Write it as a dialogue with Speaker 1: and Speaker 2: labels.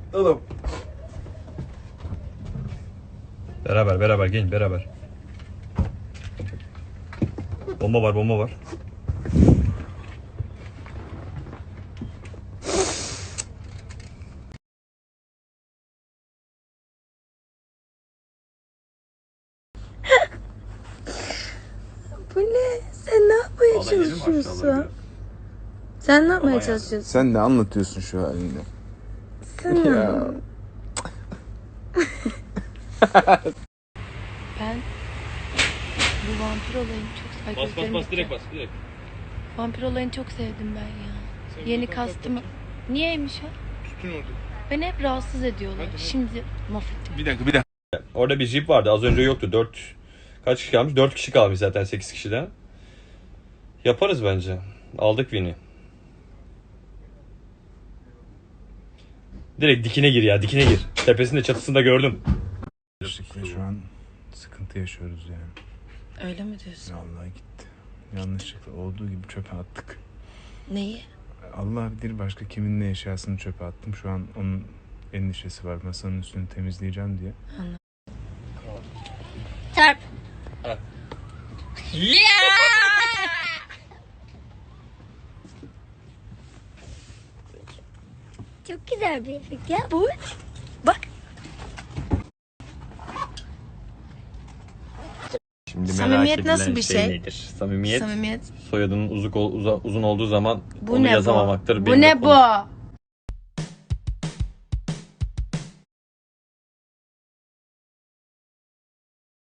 Speaker 1: Oğlum.
Speaker 2: Beraber gelin beraber. Bomba var.
Speaker 3: Bu ne? Sen ne yapmaya çalışıyorsun? Sen ne yapmaya çalışıyorsun?
Speaker 1: Sen ne anlatıyorsun şu halinde?
Speaker 3: Sen
Speaker 1: Ya.
Speaker 3: Ben bu vampir olayını çok...
Speaker 2: Bas direkt.
Speaker 3: Vampir olayını çok sevdim ben ya. Yeni kastımı... Niyeymiş ha?
Speaker 1: Tutun orada.
Speaker 3: Beni hep rahatsız ediyorlar. Şimdi mahvettim.
Speaker 1: Bir dakika.
Speaker 2: Orada bir jip vardı. Az önce yoktu. Kaç kişi kalmış? 4 kişi kalmış zaten 8 kişiden. Yaparız bence. Aldık Win'i. Direkt dikine gir ya. Dikine gir. Tepesinde çatısında gördüm.
Speaker 1: Şu an sıkıntı yaşıyoruz yani.
Speaker 3: Öyle mi diyorsun?
Speaker 1: Vallahi gitti. Yanlışlıkla olduğu gibi çöpe attık.
Speaker 3: Neyi?
Speaker 1: Allah bilir başka kimin ne eşyasını çöpe attım. Şu an onun endişesi var. Masanın üstünü temizleyeceğim diye.
Speaker 3: Çarp.
Speaker 4: Çok güzel bir efekt ya.
Speaker 3: Bu. Bak.
Speaker 2: Şimdi
Speaker 3: Samimiyet nasıl bir şey?
Speaker 2: nedir? Samimiyet
Speaker 3: Samimiyet.
Speaker 2: soyadının uzun olduğu zaman
Speaker 3: Bu
Speaker 2: onu
Speaker 3: ne
Speaker 2: yazamamaktır.
Speaker 3: bu? Bu ne bu?